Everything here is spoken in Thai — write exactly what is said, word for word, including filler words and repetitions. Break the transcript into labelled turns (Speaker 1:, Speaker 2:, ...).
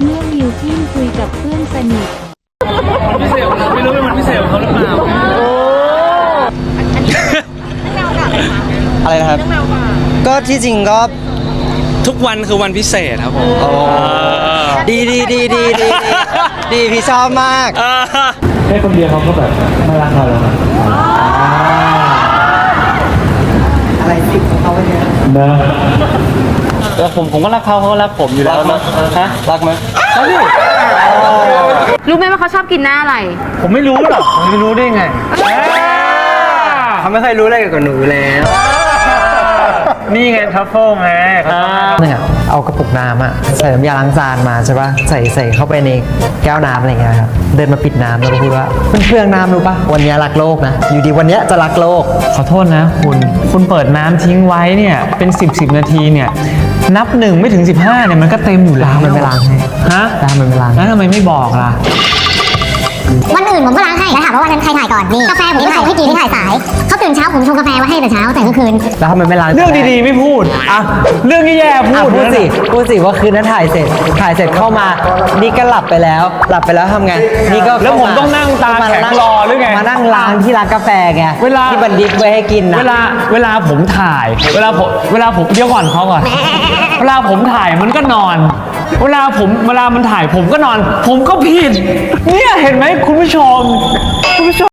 Speaker 1: เมื่อมิวกินคุยกับเพื่อนสนิท
Speaker 2: พิเศษของเราไม่รู้เป็นวันพิเศษของเขาหรือเปล่า
Speaker 3: อะไรนะครับก็ที่จริงก็
Speaker 2: ทุกวันคือวันพิเศษครับผม
Speaker 3: ดีดีดีดีดีดีพี่ชอบมาก
Speaker 4: แค่คนเดียวเขาก็แบบไม่รักเราแล้ว
Speaker 3: อะไรสิเขาไปเนี่ย
Speaker 4: นะ
Speaker 2: แล้วผมผมก็รักเขาเขาก็รักผมอยู่แล้วนะฮะรักไหมรักดิ
Speaker 5: รู้ไหมว่าเขาชอบกินหน้าอะไร
Speaker 2: ผมไม่รู้หรอกผมจะรู้ได้ไง
Speaker 3: เขาไม่เคยรู้อะไรกับหนูแล้ว
Speaker 2: นี่ไงทัฟเฟิลไง
Speaker 6: เนี่ยเอากระปุกน้ำอะใส่น้ำยาล้างจานมาใช่ปะใส่ใส่เข้าไปในแก้วน้ำอะไรเงี้ยครับเดินมาปิดน้ำแล้วก็พูดว่าเพื่อนเพื่องน้ำรู้ปะวันนี้รักโลกนะอยู่ดีวันนี้จะรักโลก
Speaker 4: ขอโทษนะคุณคุณเปิดน้ำทิ้งไว้เนี่ยเป็นสิบสิบนาทีเนี่ยนับหนึ่งไม่ถึงสิบห้าเนี่ยมันก็เต็มอยู่แล้ว
Speaker 6: มันไม่ล้างให้
Speaker 4: ฮะ
Speaker 6: มันไม่ล้าง
Speaker 4: แล้วทำไมไม่บอกล่ะ
Speaker 7: วันอื่นผมก็ล้างให้แล้วถามว่าวันนั้นใครถ่ายก่อนนี่กาแฟผมถ่ายให้กินที่ถ่ายสายเขาตื่นเช้าผมชงกาแฟไว้ให้แต่เช้าแต่เมื่อคืน
Speaker 6: แล้วทำไมไม่ล้าง
Speaker 4: เรื่องดีๆไม่พูดอ่ะเรื่องแย่ๆพูด
Speaker 6: พูดสิพูดสิว่าคืนนั้นถ่ายเสร็จถ่ายเสร็จเข้ามานี่ก็หลับไปแล้วหลับไปแล้วทำไงนี่ก็
Speaker 4: แล้วผมต้องนั่งตาแข็งรอหรือไง
Speaker 6: มานั่งล้างที่ร้านกาแฟไง
Speaker 4: เวลา
Speaker 6: ที่บันดิบไว้ให้กินนะ
Speaker 4: เวลาเวลาผมถ่ายเวลาผมเวลาผมเดี๋ยวก่อนเขาก่อนเวลาผมถ่ายมันก็นอนเวลาผมเวลามันถ่ายผมก็นอนผมก็ผิดเนี่ยเห็นไหมคุณผู้ชมคุณผู้ชม